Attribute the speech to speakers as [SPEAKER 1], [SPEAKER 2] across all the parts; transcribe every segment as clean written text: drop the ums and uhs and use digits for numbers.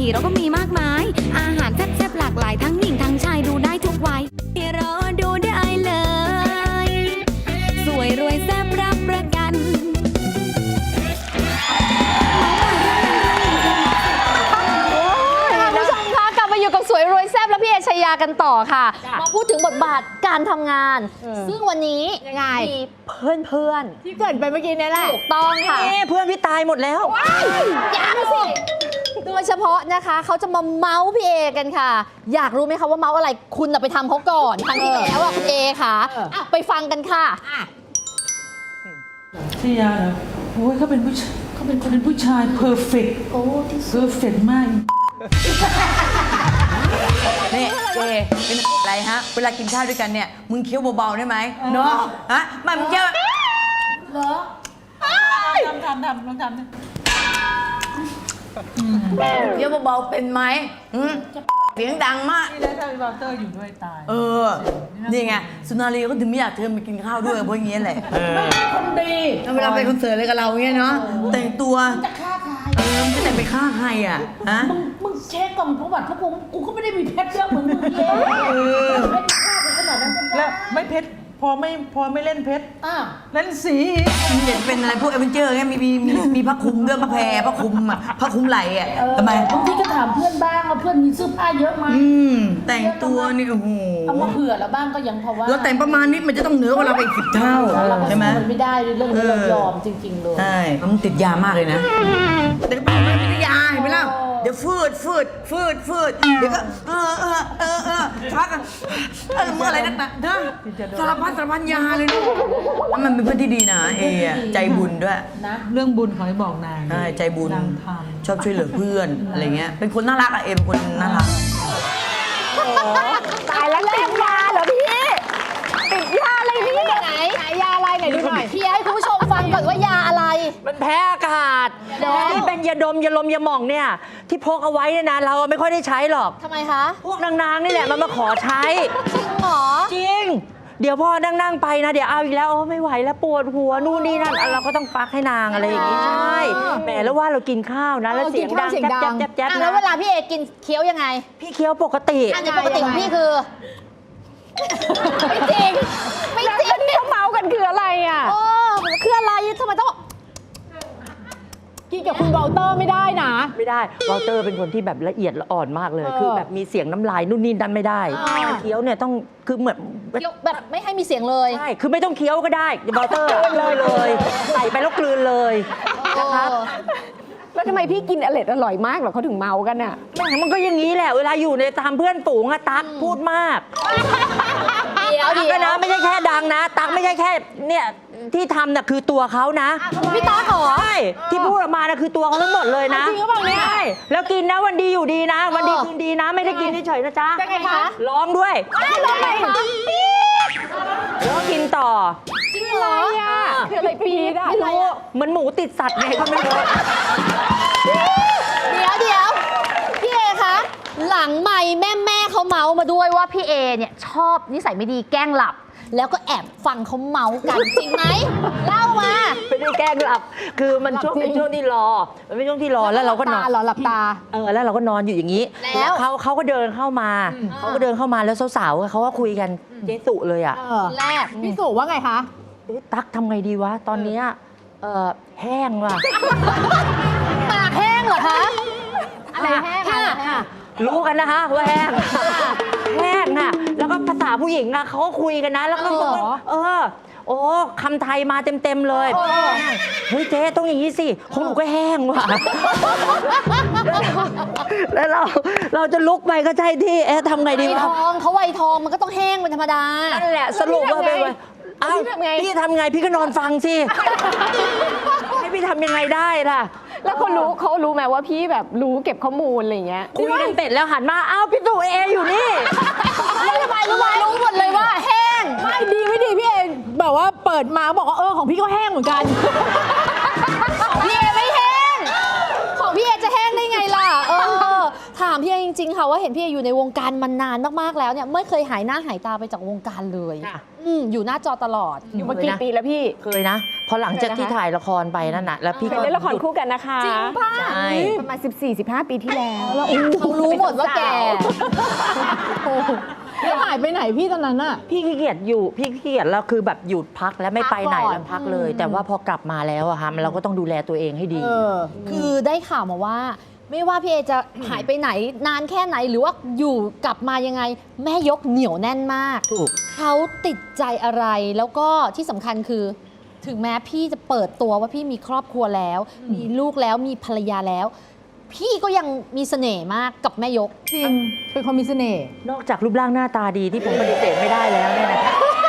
[SPEAKER 1] ทีเราก็มีมากมายอาหารแซ่บๆหลากหลายทั้งหญิงทั้งชายดูได้ทุกวัยรอดูได้เลยสวยรวยแซ่บรับประกัน
[SPEAKER 2] คุณผู้ชมคะกลับมาอยู่กับสวยรวยแซ่บและพี่เอชยากันต่อค่ะมาพูดถึงบทบาทการทำงาน ซึ่งวันนี้ยังไงมีเพื่อนที่เกิดไปเมื่อกี้นี่แหละถูกต้องค่ะ
[SPEAKER 3] เพื่อนพี่ตายหมดแล้ว
[SPEAKER 2] ยังสิโดยเฉพาะนะคะเขาจะมาเมาส์พี่เอกันค่ะอยากรู้ไหมคะว่าเมาส์อะไรคุณไปทำเขาก่อนครั้งที่แล้วอ่ะคุณเอค่ะไปฟังกันค่ะ
[SPEAKER 4] ชยาเหรอโอ้ยเขาเป็นผู้ชายเขาเป็นคนเป็นผู้ชายเพอร์เฟกต์เพอร์เฟกต์มาก
[SPEAKER 3] นี่เจเป็นอะไรฮะเวลากินข้าวด้วยกันเนี่ยมึงเคี้ยวเบาๆได้ไหมเนาะฮะมันเคี้ยวเหรอ
[SPEAKER 4] ทำลองทำนะ
[SPEAKER 3] เคี้ยวเบาๆเป็นไหมเสียงดังมาก
[SPEAKER 4] นี่แล้วถ้ามีวอลเตอร์อยู่ด้วยตาย
[SPEAKER 3] นี่ไงสุนารีก็ถึงไม่อยากเธอมากินข้าวด้วยเพราะอย่างเงี้ยแหละ
[SPEAKER 4] คนดี
[SPEAKER 3] เวลาไปคอนเสิร์ตอะไรกับเราเงี้ยเนาะแต่งตัว
[SPEAKER 4] จะฆ่าใคร
[SPEAKER 3] จะแต่งไปฆ่าใครอ่ะฮะ
[SPEAKER 4] มึงเช็คก่อนประวัติพวกกูก็ไม่ได้มีเพชรเยอะเหมือนมึงเย้ไม่ฆ่ากูขนาดนั้นแล้วไม่เพชรพอไม่เล่นเพชรเล่นสี
[SPEAKER 3] เห็นเป็นอะไรพวกเอเวนเจอร์ไงมีผ้าคลุมด้วยผ้าแพรผ้าคลุมอ่ะผ้าคลุมไหล่อ่ะทำไม
[SPEAKER 4] บางทีก็ถามเพื่อนบ้างว่าเพื่อนมีเสื้อผ้าเยอะไหม
[SPEAKER 3] แต่งตัวนี่โอ้โห
[SPEAKER 4] เอามาเผื่อแล้วบ้างก็ยังพอว่า
[SPEAKER 3] เราแต่งประมาณนี้มันจะต้องเหนือกว่าเราไปอีก10 เท่าใช่ไหม
[SPEAKER 4] มันไม่ได้เรื่องนี้เรายอมจริงๆเลย
[SPEAKER 3] ใช่มันติดยามากเลยนะแต่ก็ไม่ติดยาเห็นไหมล่ะเดี๋ยวฟืดเดี๋ยวก็ชักเมื่ออะไรนักหนาสารพันยาเลยนะมันเป็นเพื่อนที่ดีนะเอใจบุญด้วย
[SPEAKER 4] นะเรื่องบุญขอให้บอกนาง
[SPEAKER 3] ใช่ใจบุญชอบช่วยเหลือเพื่อนอะไรเงี้ยเป็นคนน่ารักอะเอเป็นคนน่ารัก
[SPEAKER 2] ตายแล้วติดยาเหรอพี่ติดยาอะไรนี่ไหนยาอะไรไหนดูหน่อยพี่ให้คุณผู้ชมฟังก่อนว่ายาอะไร
[SPEAKER 3] มันแพ้อากาศที่เป็นยาดมยาลมยาหม่องเนี่ยที่พกเอาไว้เนี่ยนะเราไม่ค่อยได้ใช้หรอก
[SPEAKER 2] ทำไมคะ
[SPEAKER 3] พวกนางๆนี่แหละมันมาขอใช้
[SPEAKER 2] จริงเหรอ
[SPEAKER 3] จริงเดี๋ยวพอนั่งไปนะเดี๋ยวเอาอีกแล้วไม่ไหวแล้วปวดหัวนู่นนี่นั่นเราก็ต้องฟักให้นางอะไรอย่างงี้ใช่แหมแล้วว่าเรากินข้าวนะแล้วเสียงดังแจ๊บๆนะ
[SPEAKER 2] แล้วเวลาพี่เอกินเคี้ยวยังไง
[SPEAKER 3] พี่เคี้ยวปกติ
[SPEAKER 2] อันนี้ปกติของพี่คือไม่จริงที่เขาเมากันคืออะไรอ่ะคืออะไรทำไมต้องกินกับคุณวอลเตอร์ไม่ได้นะ
[SPEAKER 3] ไม่ได้วอลเตอร์เป็นคนที่แบบละเอียดละอ่อนมากเลยคือแบบมีเสียงน้ำลายนู่นนี่นั่นไม่ได้เคี้ยวเนี่ยต้องคือเหมือน
[SPEAKER 2] แบบไม่ให้มีเสียงเลย
[SPEAKER 3] ใช่คือไม่ต้องเคี้ยวก็ได้วอลเตอร์เลยใส่ไปแล้วกลืนเลยนะครับ
[SPEAKER 2] แล้วทำไมพี่กินอร่อยมากหรอเขาถึงเมากันอ่ะ
[SPEAKER 3] มันก็อย่างนี้แหละเวลาอยู่ในตามเพื่อนฝูงอะตั๊กพูดมากตั๊กนะไม่ใช่แค่ดังนะตั๊กไม่ใช่แค่เนี่ยที่ทำน่ะคือตัวเขานะ
[SPEAKER 2] พี่ตั๊กเหรอ
[SPEAKER 3] ใช่ที่พูดออกมานะคือตัวเขาทั้งหมดเลยนะ
[SPEAKER 2] จริงหรือเปล่าเนี่ย
[SPEAKER 3] ใช่แล้วกินนะวันดีอยู่ดีนะวันดีคืนดีนะไม่ได้กินเฉยๆนะจ๊ะ
[SPEAKER 2] ยังไงคะ
[SPEAKER 3] ร้องด้วย
[SPEAKER 2] ร้องไงคะ
[SPEAKER 3] แล้วกินต่อ
[SPEAKER 2] จริงเหรอคืออะไรปีด
[SPEAKER 3] ไม่รู้เหมือนหมูติดสัตว์ไงก็ไม่รู้
[SPEAKER 2] เดี๋ยวพี่เอคะหลังไมค์แม่เขาเมาส์มาด้วยว่าพี่เอเนี่ยชอบนิสัยไม่ดีแกล้งหลับแล้วก็แอบฟังเขาเมาส์กันจริงไหมเล่ามา
[SPEAKER 3] ไม่ได้แกล้งหลับคือมันช่วงเป็นช่วงที่รอมันเป็นช่วงที่รอแล้วเราก็นอน
[SPEAKER 2] หลับตา
[SPEAKER 3] แล้วเราก็นอนอยู่อย่างนี้แล้วเขาก็เดินเข้ามาแล้วสาวๆเขาก็คุยกันเจสุเลยอ่ะ
[SPEAKER 2] แรกพี่สุว่าไงคะ
[SPEAKER 3] ตั๊กทำไงดีวะตอนนี้แห้งว่ะ
[SPEAKER 2] ปากแห้งเหรอคะอะไรแห้ง
[SPEAKER 3] รู้กันนะคะว่าแห้งน่ะแล้วก็ภาษาผู้หญิงอะเขาก็คุยกันนะแล้วก็โอ้คำไทยมาเต็มเลยเฮ้ยเจ๊ต้องอย่างนี้สิของหนูก็แห้งว่ะแล้วเราจะลุกไปก็ใช่ที่ทำไงดีวะ
[SPEAKER 2] เขาไวทองมันก็ต้องแห้งเป็นธรรมดา
[SPEAKER 3] นั่นแหละสรุปว่าเป็นพี่ทำไงพี่ก็นอนฟังสิให้พี่ทำยังไงได้ล่ะ
[SPEAKER 2] แล้วเขารู้ไหมว่าพี่แบบรู้เก็บข้อมูลอะไรเงี้ย
[SPEAKER 3] คุยกันเสร็จแล้วหันมาอ้าวพี่ตู่เออยู่นี่
[SPEAKER 2] ทำไมรู้หมดเลยว่าแห้ง
[SPEAKER 4] ไม่ดีพี่เอแบบว่าเปิดมาบอกว่าของพี่ก็แห้งเหมือนกัน
[SPEAKER 2] ของพี่เอไม่แห้งของพี่เอจะแห้งได้ไงล่ะถามพี่จริงๆค่ะว่าเห็นพี่เออยู่ในวงการมานานมากๆแล้วเนี่ยไม่เคยหายหน้าหายตาไปจากวงการเลย
[SPEAKER 5] ค่ะ
[SPEAKER 2] อยู่หน้าจอตลอด
[SPEAKER 5] อยู่มากี่ปีแล้วพี่
[SPEAKER 6] เคยนะ พอหลังจากที่ถ่ายละครไปนั่นน่ะแล้วพี่
[SPEAKER 5] เค
[SPEAKER 6] ก็
[SPEAKER 5] ยเล่นละคร
[SPEAKER 6] หยุด
[SPEAKER 5] คู่กันนะคะ
[SPEAKER 2] จริงป่ะ
[SPEAKER 6] ใช่
[SPEAKER 5] ประมาณ 14-15 ปีที่แล้ว
[SPEAKER 2] เขารู้หมดว่าแก
[SPEAKER 4] แล้วหายไปไหนพี่ตอนนั้นอะ
[SPEAKER 6] พี่ขี้เกียจอยู่พี่ขี้เกียจแล้วคือแบบหยุดพักแล้วไม่ไปไหน
[SPEAKER 2] พักก่อน
[SPEAKER 6] แล้วพักเลย แต่ว่าพอกลับมาแล้วอะค่ะเราก็ต้องดูแลตัวเองให้ดี
[SPEAKER 2] คือได้ข่าวมาว่า ไม่ว่าพี่เอจะหายไปไหนนานแค่ไหนหรือว่าอยู่กลับมายังไง แม่ยกเหนียวแน่นมาก
[SPEAKER 6] ถูก
[SPEAKER 2] เขาติดใจอะไรแล้วก็ที่สำคัญคือ ถึงแม้พี่จะเปิดตัวว่าพี่มีครอบครัวแล้ว มีลูกแล้วมีภรรยาแล้ว พี่ก็ยังมีเสน่ห์มากกับแม่ยก
[SPEAKER 4] จริง เป็นคนมีเสน่ห์
[SPEAKER 6] นอกจากรูปร่างหน้าตาดีที่ผมปฏิเสธไม่ได้แล้วเนี่ยนะคะ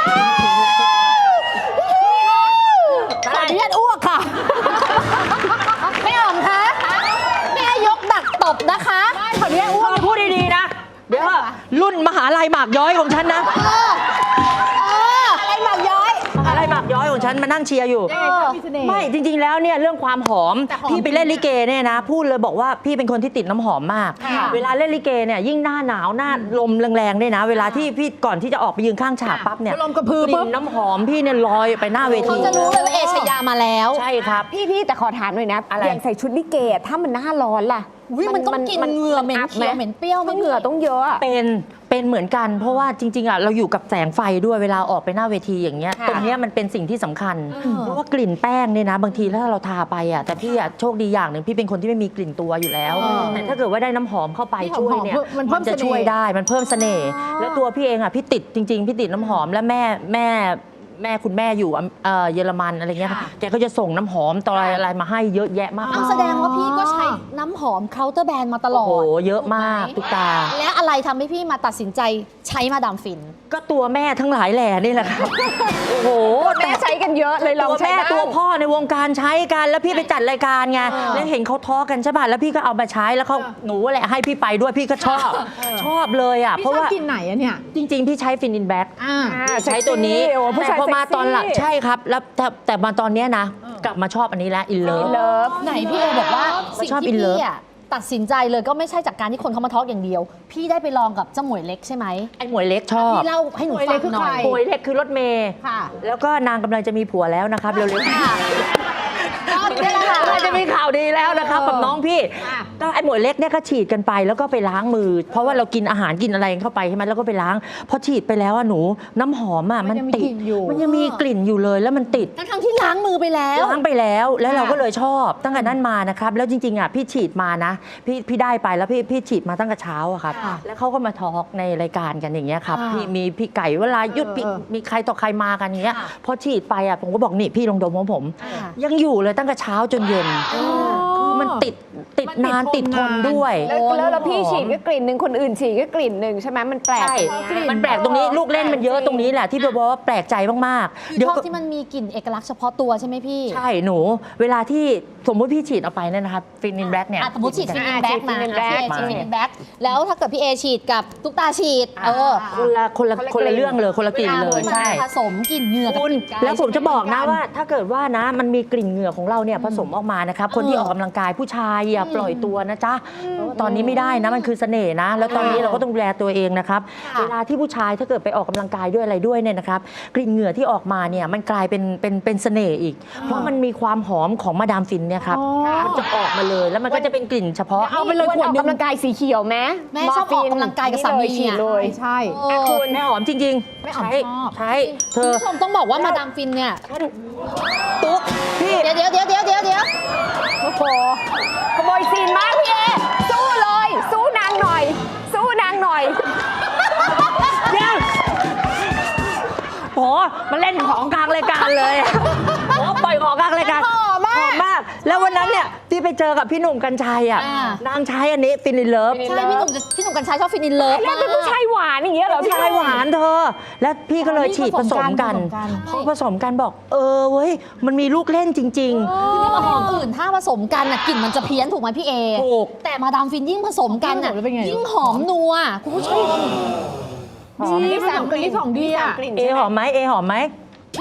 [SPEAKER 2] ขออนุญาตอ้วกค่ะ แม่อ๋อมคะแม่ยกดักตบนะคะ
[SPEAKER 4] ขออนุญาตอ้วก
[SPEAKER 6] พูดดีๆนะ เดี๋ยวว่ารุ่นมหาลัยหมากย้อยของฉันนะ
[SPEAKER 2] อะไรหมากย้อย
[SPEAKER 6] มหาลัยหมากย้อยของฉันมานั่งเชียร์อยู่
[SPEAKER 4] ยังไงคะมีเสน่ห์
[SPEAKER 6] ไม่จริงๆแล้วเนี่ยเรื่องความหอม
[SPEAKER 2] แต่หอม
[SPEAKER 6] พี่ไปเล่นลิเกเนี่ยนะ พูดเลยบอกว่าพี่เป็นคนที่ติดน้ำหอมมาก
[SPEAKER 2] ค่ะ
[SPEAKER 6] เวลาเล่นลิเกเนี่ยยิ่งหน้าหนาวหน้าลมแรงๆเนี่ยนะ เวลาที่พี่ก่อนที่จะออกไปยืนข้างฉากปั๊บเนี่ย
[SPEAKER 4] ลมกระพือก ปุ๊
[SPEAKER 6] ลิ่
[SPEAKER 4] บ
[SPEAKER 6] นน้ำหอมพี่เนี่ยลอยไปหน้าเว
[SPEAKER 2] เขา
[SPEAKER 6] ที
[SPEAKER 2] จะรู้เลยว่าเอชยามาแล้ว
[SPEAKER 6] ใช่ครับ
[SPEAKER 5] พี่แต่ขอถามหน่อยนะ
[SPEAKER 6] อะไร
[SPEAKER 5] อย่างใส่ชุดลิเกอะถ้ามันหน้าร้อนล่ะ
[SPEAKER 2] วิมันต้องกินเหงื่อเหม็น
[SPEAKER 5] อับ
[SPEAKER 2] เขียวเหม็นเปรี้ยวไหม
[SPEAKER 5] เหงื่อต้องเยอะอะ
[SPEAKER 6] เป็นเหมือนกัน เพราะว่าจริงๆอ่ะเราอยู่กับแสงไฟด้วยเวลาออกไปหน้าเวทีอย่างเงี้ย
[SPEAKER 5] ค่ะ
[SPEAKER 6] ตรงเนี้ยมันเป็นสิ่งที่สำคัญ เพราะว่ากลิ่นแป้งเนี่ยนะบางทีถ้าเราทาไปอ่ะแต่พี่อ่ะโชคดีอย่างหนึ่งพี่เป็นคนที่ไม่มีกลิ่นตัวอยู่แล้วแต่ถ้าเกิดว่าได้น้ำหอมเข้าไป
[SPEAKER 4] พี่
[SPEAKER 6] ช่วยเนี่ย
[SPEAKER 4] หอมๆมันเพิ่ม
[SPEAKER 6] จะ
[SPEAKER 4] เสน่ห์
[SPEAKER 6] ช่วยได้มันเพิ่มเสน่ห์แล้วตัวพี่เองอ่ะพี่ติดจริง ๆ พี่ติดน้ำหอมและแม่คุณแม่อยู่เยอรมันอะไรเงี้ยแกก็จะส่งน้ำหอมต่ออะไรมาให้เยอะแยะมาก
[SPEAKER 2] เอาแสดงว่าพี่ก็ใช้น้ำหอมเคาน์เตอร์แบรนด์มาตลอ
[SPEAKER 6] โอ้
[SPEAKER 2] ด
[SPEAKER 6] โหเยอะมากทุกตา
[SPEAKER 2] และอะไรทำให้พี่มาตัดสินใจใช้มาดามฟิน
[SPEAKER 6] ก็ตัวแม่ทั้งหลายแหล่นี่แหละครับ โอ้โห
[SPEAKER 5] แม่ใช้กันเยอะเลยลอง
[SPEAKER 6] ตัว
[SPEAKER 5] ใช้
[SPEAKER 6] แม่
[SPEAKER 5] บ้าง
[SPEAKER 6] ตัวพ่อในวงการใช้กันแล้วพี่ไปจัดรายการไงแล้วเห็นเขาท้อกันใช่ป่ะแล้วพี่ก็เอามาใช้แล้วเขาหนูแหละให้พี่ไปด้วยพี่ก็ชอบชอบเลยอ่ะ
[SPEAKER 4] พี่
[SPEAKER 6] เพราะ
[SPEAKER 4] ชอบ
[SPEAKER 6] ว่า
[SPEAKER 4] กินไหนอะเนี่ย
[SPEAKER 6] จริง ๆ พี่ใช้ฟินอินแบ็ก
[SPEAKER 4] อ่า
[SPEAKER 6] ใช้ตัวนี้
[SPEAKER 5] โอ้ผู้
[SPEAKER 6] แต่
[SPEAKER 5] ชาย
[SPEAKER 6] พอมา
[SPEAKER 5] เซ็กซี่
[SPEAKER 6] ตอนหลังใช่ครับแล้วแต่มาตอนเนี้ยนะ กลับมาชอบอันนี้แล้วอินเลิฟ
[SPEAKER 5] เลิฟ
[SPEAKER 2] ไหนพี่เอบอกว่าสิ่ง
[SPEAKER 6] ชอบ
[SPEAKER 2] ที่
[SPEAKER 6] in love
[SPEAKER 2] พี่อะตัดสินใจเลยก็ไม่ใช่จากการที่คนเขามาทอล์กอย่างเดียว พี่ได้ไปลองกับเจ้าหมวยเล็กใช่ไหม
[SPEAKER 6] ไอ้หมวยเล็กชอบ
[SPEAKER 2] พี่เล่าให้หนู
[SPEAKER 4] หมวยเล็
[SPEAKER 2] ฟั
[SPEAKER 4] กคื
[SPEAKER 2] ง
[SPEAKER 4] อ
[SPEAKER 2] หน่อ
[SPEAKER 4] ใคร
[SPEAKER 2] ย
[SPEAKER 6] หมวยเล็กคือรถเมย์
[SPEAKER 4] ค่ะ
[SPEAKER 6] แล้วก็นางกำลังจะมีผัวแล้วนะครับเร็วๆ
[SPEAKER 2] ก็นี่แหละค่ะ
[SPEAKER 6] กำลังจะมีข่าวดีแล้วนะครับกับน้องพี่
[SPEAKER 4] ค่ะ
[SPEAKER 6] ก็ไอ้หมวยเล็กเนี่ยก็ฉีดกันไปแล้วก็ไปล้างมือ เพราะว่าเรากินอาหารกินอะไรเข้าไปใช่ไหมแล้วก็ไปล้างพอฉีดไปแล้วอะหนูน้ำหอมอะ
[SPEAKER 4] มั
[SPEAKER 6] มัน น
[SPEAKER 4] ยังมี
[SPEAKER 6] ติ
[SPEAKER 4] ก
[SPEAKER 6] ด
[SPEAKER 4] ลิ่นอยู่
[SPEAKER 6] มันยังมีกลิ่นอยู่เลยแล้วมันติด
[SPEAKER 2] ทั้งที่ล้างมือไปแล้ว
[SPEAKER 6] ล้างไปแล้วเราก็เลยชอบตั้งแต่นั้นมานะครับแล้วจริงๆอะพี่ฉีดมานะพี่ได้ไปแล้วพี่ฉีดมาตั้งแต่เช้าอะครับ
[SPEAKER 2] ค่ะ
[SPEAKER 6] แล้วเขาก็มาทอล์กในรายการกันอย่างเงี้ยครับ
[SPEAKER 2] ค่ะ
[SPEAKER 6] พี่มีพี่ไก่เวลายุดพี่มีใครต่อใครมากันอย่างเงี้ย
[SPEAKER 2] ค่ะ
[SPEAKER 6] พอฉีดไปอะผมก็บอกนี่พี่ลองดมของผม
[SPEAKER 2] ค่ะ
[SPEAKER 6] ยังอยู่เลยตั้งแต่เช้าจนเย็นคือมันติดนานติดทนด้วย
[SPEAKER 5] แล้วพี่ฉีดก็กลิ่นหนึ่งคนอื่นฉีดก็กลิ่นหนึ่งใช่ไหมมันแปลก
[SPEAKER 6] ใช่
[SPEAKER 5] กลิ่
[SPEAKER 6] มันแปลกตรงนี้ลูกเล่นมันเยอะตรงนี้แหละที่บอกว่าแปลกใจมากๆ
[SPEAKER 2] คือชอบที่มันมีกลิ่นเอกลักษณ์เฉพาะตัวใช่ไหมพี่
[SPEAKER 6] ใช่หนูเวลาที่สมมติพี่ฉีดเอาไปเนี่ยนะครับฟินอินแบล็กเนี่ย
[SPEAKER 2] อ่ะสมมติฉีดฟินอินแบ็กมา
[SPEAKER 5] ฉีด Fin in Black
[SPEAKER 2] ฉีดฟินอินแบ็กแล้วถ้าเกิดพี่เอฉีดกับตุ๊กตาฉีด
[SPEAKER 6] คนละเรื่องเลยคนละกลิ่นเลย
[SPEAKER 2] มัน
[SPEAKER 6] ใช่
[SPEAKER 2] ผสมกลิ่นเหงื่อกับ
[SPEAKER 6] คุณ
[SPEAKER 2] กลิ่นกาย
[SPEAKER 6] แล้วผมจะบอกนะ
[SPEAKER 2] ใช่ไห
[SPEAKER 6] ว่าถ้าเกิดว่านะมันมีกลิ่นเหงื่อของเราเนี่ยผสมออกมานะครับคนที่ออกกำลังกายผู้ชายอย่าปล่อยตัวนะจ๊ะเพราะว่าตอนนี้ไม่ได้นะมันคือเสน่ห์นะ แล้วตอนนี้เราก็ต้องดูแลตัวเองนะครับ
[SPEAKER 2] ค่ะ
[SPEAKER 6] เวลาที่ผู้ชายถ้าเกิดไปออกกำลังกายด้วยอะไรด้วยเนี่ยนะครับกลิ่นเหงื่อที่ออกมาเนี่ยมันกลายเป็นเสน่ห์อีก เพราะมันมีความหอมของมาดามฟินเนี่ยครับมันจะออกมาเลยแล้วมันก็จะเป็นกลิ่นเฉพาะ
[SPEAKER 5] เอาไปเลยขวดออกกำลังกายสีเขียวไหม
[SPEAKER 2] แม่ชอบออกกำลังกายกับสามี
[SPEAKER 5] ฉีดเลย
[SPEAKER 4] ใช่
[SPEAKER 2] เออ
[SPEAKER 6] คุณแม่หอมจริงๆ
[SPEAKER 4] แม่หอม
[SPEAKER 6] ใช้
[SPEAKER 4] ชอบ
[SPEAKER 6] ใช้เธ
[SPEAKER 2] คุณ
[SPEAKER 6] อ
[SPEAKER 2] ผู้ชมต้องบอกว่ามาดามฟินเนี่ย
[SPEAKER 6] ตุ๊กพี่
[SPEAKER 2] เดี๋ยว
[SPEAKER 5] โอ้โหขโมยซีนมากพี่เอสู้เลย สู้นางหน่อย สู้นางหน่อย
[SPEAKER 6] เดี๋ยวโหมาเล่นของกลางรายการเลยโหปล่อยของกลางรายการหอมมาก แล้ววันนั้นเนี่ยที่ไปเจอกับพี่หนุ่มกัญชัยอ่ะ
[SPEAKER 2] อ่าน
[SPEAKER 6] างใช้อันนี้ฟินอินเลิฟ
[SPEAKER 2] ใช่พี่หนุ่มกัญชัยชอบฟินอินเลิฟ
[SPEAKER 5] แล้วเป็นผู้ชายหวานอย่างเงี้ยเหรอพี่
[SPEAKER 6] ชายหวานเธอ แล้วพี่ก็เลยฉีดผสมกัน
[SPEAKER 4] ผสมกัน
[SPEAKER 6] พอผสมกันบอกเว้ยมันมีลูกเล่นจริง
[SPEAKER 2] คือที่มาหอมอื่นถ้าผสมกันน่ะกลิ่นมันจะเพี้ยนถูกไหมพี่เอ
[SPEAKER 6] ถูก
[SPEAKER 2] แต่มาดามฟินยิ่งผสมกันน่ะ
[SPEAKER 4] ยิ่งผสมแล้วเป็นไง
[SPEAKER 2] ยิ่งหอมนัวคุณผู้ชม
[SPEAKER 4] ดีผสมกันที่ของดีอ่ะ
[SPEAKER 5] กลิ่น
[SPEAKER 6] เอหอมไหมเอหอมไหม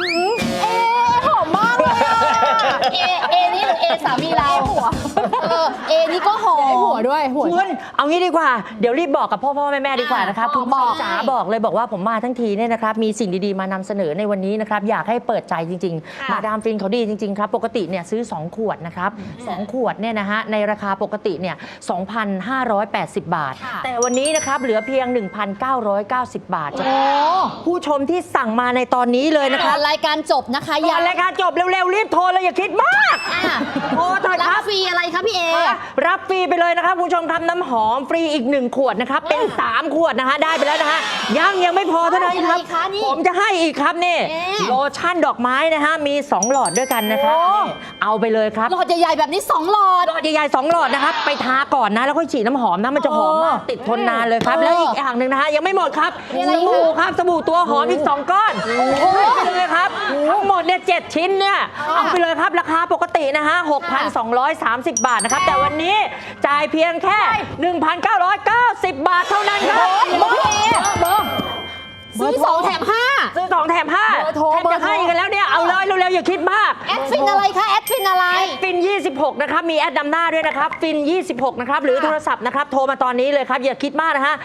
[SPEAKER 2] หอมมากเลยอะเอนี่หรือเอสามีเราเอนี่ก็หอม
[SPEAKER 5] หัวด้วยหัว
[SPEAKER 6] คุณเอางี้ดีกว่า เดี๋ยวรีบบอกกับพ่อแม่ดีกว่านะครับ
[SPEAKER 2] อ่ะ
[SPEAKER 6] คุณพ่อ
[SPEAKER 2] บอก
[SPEAKER 6] จ๋าบอกเลยบอกว่าผมมาทั้งทีเนี่ยนะครับมีสิ่งดีๆมานำเสนอในวันนี้นะครับอยากให้เปิดใจจริงๆ มาดามฟินเขาดีจริงๆครับปกติเนี่ยซื้อ 2 ขวดนะครับ2ขวดเนี่ยนะฮะในราคาปกติเนี่ย 2,580 บาท
[SPEAKER 2] ค่ะ
[SPEAKER 6] แต่วันนี้นะครับเหลือเพียง 1,990 บาท
[SPEAKER 2] โอ้
[SPEAKER 6] ผู้ชมที่สั่งมาในตอนนี้เลยนะค
[SPEAKER 2] ก่
[SPEAKER 6] รั
[SPEAKER 2] อบ นรายการจบนะคะ
[SPEAKER 6] ก่อนรายการจบเร็วๆรีบโทรเลยอย่าคิดมาก
[SPEAKER 2] อ่ะ
[SPEAKER 6] โทรเถอะ
[SPEAKER 2] รั
[SPEAKER 6] ครับ บ
[SPEAKER 2] ฟรีอะไรคะพี่เอ
[SPEAKER 6] รับฟรีไปเลยนะครับคุณผู้ชมครับน้ำหอมฟรีอีก 1 ขวดนะครับเป็น 3 ขวดนะฮะได้ไปแล้วนะฮะยังไม่พอเท่านั้นครับ
[SPEAKER 2] อะไรคะนี่
[SPEAKER 6] ผมจะให้อีกครับนี่
[SPEAKER 2] เอ๊ะ
[SPEAKER 6] โลชั่นดอกไม้นะฮะมี 2 หลอดด้วยกันนะครับนี่เอาไปเลยครับ
[SPEAKER 2] หลอดใหญ่ๆแบบนี้2หลอด
[SPEAKER 6] หลอดใหญ่ๆ2หลอดนะครับไปทาก่อนนะแล้วค่อยฉีดน้ำหอมนะมันจะหอมมากติดทนนานเลยครับแล้วอีกอย่างหนึ่งนะฮะยังไม่หมดครับ
[SPEAKER 2] มีอะไร
[SPEAKER 6] ส
[SPEAKER 2] อีกคะ
[SPEAKER 6] บู่ครับสบู่ตัวหอมอีก 2 ก้อนไปเลยครับทั้งหมดเนี่ย7ชิ้นเนี่ยเอาไปเลยครับราคาปกตินะฮะ 6,230 บาทนะครับแต่วันนี้จ่ายเพียงแค่ 1,990 บาทเท่านั้นครับ
[SPEAKER 2] ซื้อ2แถม5
[SPEAKER 6] ซื้อ2แถม5
[SPEAKER 2] เบอร์โทร
[SPEAKER 6] แถมจะให้กันแล้วเนี่ยเอาเลยเร็วๆอย่าคิดมาก
[SPEAKER 2] แอดฟินอะไรคะแอดฟินอะไร
[SPEAKER 6] ฟิน 26 นะครับ มีแอดนำหน้าด้วยนะครับ ฟิน 26 นะครับ หรือโทรศัพท์นะครับ โทรมาตอนนี้เลยครับ อย่าคิดมากนะฮะ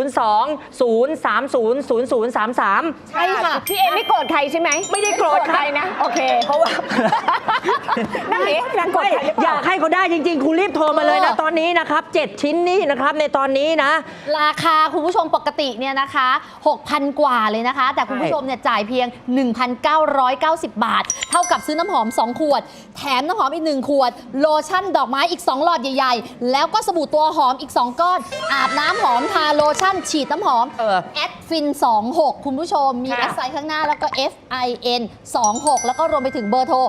[SPEAKER 6] 02 030 0033
[SPEAKER 2] ใช่ค่ะ
[SPEAKER 5] พี่เอไม่โกรธใครใช่ไหม
[SPEAKER 6] ไม่ได้โกรธ
[SPEAKER 5] ใครนะ โอเค เพราะว่า นั่นเองนางโกรธ
[SPEAKER 6] ไม่
[SPEAKER 5] ใครหรือเป
[SPEAKER 6] อยา
[SPEAKER 5] ล่า
[SPEAKER 6] กให้เขาได้จริง ๆ คุณรีบโทรมาเลยนะ ตอนนี้นะครับ 7 ชิ้นนี้นะครับ ในตอนนี้นะ
[SPEAKER 2] ราคาคุณผู้ชมปกติเนี่ยนะคะ 6,000 กว่าเลยนะคะ แต่คุณผู้ชมเนี่ยจ่ายเพียง 1,990 บาท เท่ากับซื้อน้ำหอม 2 ขวด แถมน้ำหอมอีก 1 ขวด โลชั่นดอกไม้อีก 2 หลอดใหญ่ ๆ แล้วก็สบู่ตัวหอมอีก 2 ก้อน อาบน้ำหอมทาโลชั่นฉีดน้ำหอม แอดฟิน 26 คุณผู้ชมมี
[SPEAKER 6] ค่ะ
[SPEAKER 2] แอดไซน์ข้างหน้าแล้วก็ FIN 26 แล้วก็รวมไปถึงเบอร์โทร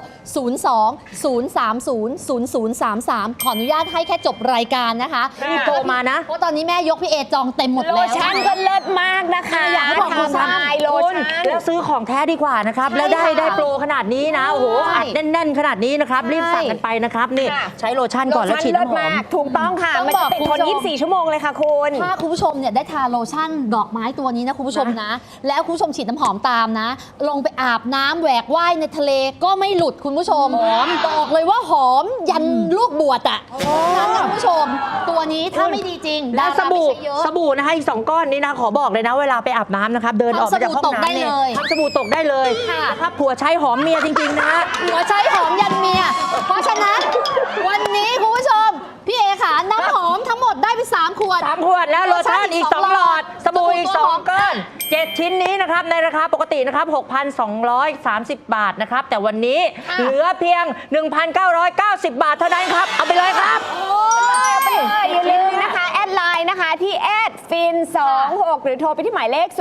[SPEAKER 2] 02 030 0033 ขออนุญาตให้แค่จบรายการนะคะ
[SPEAKER 6] รีบโทรมานะ
[SPEAKER 2] เพราะตอนนี้แม่ยกพี่เอจองเต็มหมด
[SPEAKER 5] โล
[SPEAKER 2] แล้ว
[SPEAKER 5] ชั่นก็เลิศมากนะคะ
[SPEAKER 2] อยากให้บอกคุณ
[SPEAKER 5] ทำลายโล
[SPEAKER 6] คุณ
[SPEAKER 5] ชั่น
[SPEAKER 6] แล้วซื้อของแท้ดีกว่านะครับ
[SPEAKER 2] ใช่
[SPEAKER 6] แล้วได้
[SPEAKER 2] ค่ะ
[SPEAKER 6] ได้โปรขนาดนี้นะ โอ้โห
[SPEAKER 2] ใช่
[SPEAKER 6] อัดแน่น ๆ ขนาดนี้นะครับ รีบสั่งกันไปนะครับ นี่
[SPEAKER 5] ค่ะ
[SPEAKER 6] ใช้โลชั่นก่อนแล้วฉีด
[SPEAKER 5] เลิศ
[SPEAKER 6] น้ำหอ
[SPEAKER 5] มาม กถูกต้องค่ะ
[SPEAKER 2] ต้อง
[SPEAKER 5] มัน
[SPEAKER 2] บ
[SPEAKER 5] จะ
[SPEAKER 2] อก
[SPEAKER 5] ติด
[SPEAKER 2] คุณ
[SPEAKER 5] ทน
[SPEAKER 2] ผู้ชม
[SPEAKER 5] 24 ชั่วโมงเลยค่ะคุณ
[SPEAKER 2] ถ้าคุณผู้ชมเนี่ยได้ทาโลชั่นดอกไม้ตัวนี้นะคุณผู้ชมนะ แล้วคุณผู้ชมฉีดน้ำหอมตามนะ ลงไปอาบน้ำแหวกว่ายในทะเลก็ไม่หลุดคุณผู้ชมบอกเลยว่าหอมยันลูกบวชอ่ะนั้นนะคุณผู้ชม ตัวนี้ถ้าไม่ดีจริง
[SPEAKER 6] และ
[SPEAKER 2] ดา
[SPEAKER 6] ส
[SPEAKER 2] ราไม่
[SPEAKER 6] บู่
[SPEAKER 2] ใช่เยอะ
[SPEAKER 6] สบู่นะคะอีก2 ก้อนนี้นะขอบอกเลยนะเวลาไปอาบน้ำนะครับเดินออกมาจากห้อง
[SPEAKER 2] ทำสบู่ตกได้
[SPEAKER 6] น้ำเนี่ย
[SPEAKER 2] เลย
[SPEAKER 6] ทำสบู่ตกได้เลย
[SPEAKER 2] ค่ะ
[SPEAKER 6] นะครับผัวใช้หอมเมียจริงๆนะฮะ
[SPEAKER 2] หัวใช้หอมยันเมีย เพราะฉะนั้นวันนี้คุณผู้ชม พี่เอขาน้ำหอมทั้งหมดได้ไป3 ขวด
[SPEAKER 6] 3 ขวดแล้วโลชั่นอีก 2 หลอด สบู่อีก
[SPEAKER 2] สบู่ตัวหอม
[SPEAKER 6] 2 ก้อน 7 ชิ้นนี้นะครับในราคาปกตินะครับ 6,230 บาทนะครับแต่วันนี้เหลือเพียง 1,990 บาทเท่านั้นครับเอาไปเลยครับ
[SPEAKER 5] อย่าลืมนะคะ แอดไลน์นะคะที่แอดฟิน26หรือโทรไปที่หมายเลข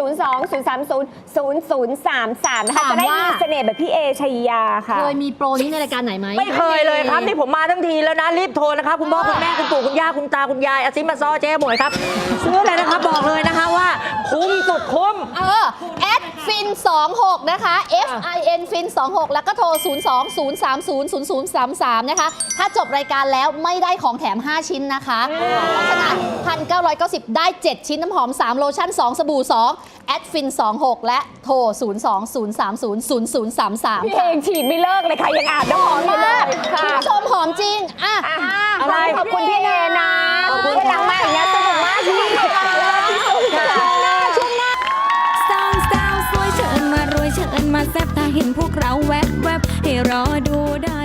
[SPEAKER 5] 02-030-0033 นะคะ
[SPEAKER 2] ถาม
[SPEAKER 5] จะได้
[SPEAKER 2] ว่า
[SPEAKER 5] มีเสน่ห์แบบพี่เอชัยยาค่ะ
[SPEAKER 2] เคยมีโปรนี้ในรายการไหนไหม
[SPEAKER 6] ไม่เคยเลยครับ นี่ผมมาทั้งทีแล้วนะรีบโทรนะครับคุณพ่อคุณแม่คุณปู่คุณย่าคุณตาคุณยายอาซิมาซอเจ๊หมวยครับซื้อเลยนะครับบอกเลยนะคะว่าคุ้มสุดคุ้ม
[SPEAKER 2] แอดฟิน26นะคะ FIN ฟิน26แล้วก็โทร 02-030-0033 นะคะ ถ้าจบรายการแล้วไม่ได้ของแถม 5 ชิ้นนะคะ เพราะฉะนั้น 1,990 ได้ 7 ชิ้นน้ำหอม 3 โลชั่น 2 สบู่ 2 แอดฟิน26และโทร 02-030-0033
[SPEAKER 5] พี่เอยังฉีดไม่เลิกเลยค่ะ ยังอาบน้ำหอมอยู่เลย
[SPEAKER 2] คุณ
[SPEAKER 5] ค่ะ
[SPEAKER 2] ผู้ชมหอมจริง
[SPEAKER 6] อะไร
[SPEAKER 5] ขอบคุณพี่เอนะ
[SPEAKER 6] ขอบคุณ
[SPEAKER 5] วันหลังมาอย่างเงี้ยสนุกมากที่สุดค่ะ
[SPEAKER 1] สองสาวสวยเชิญมารวยเชิญมาแซ่บถ้าเห็นพวกเราแวบๆให้รอดูได้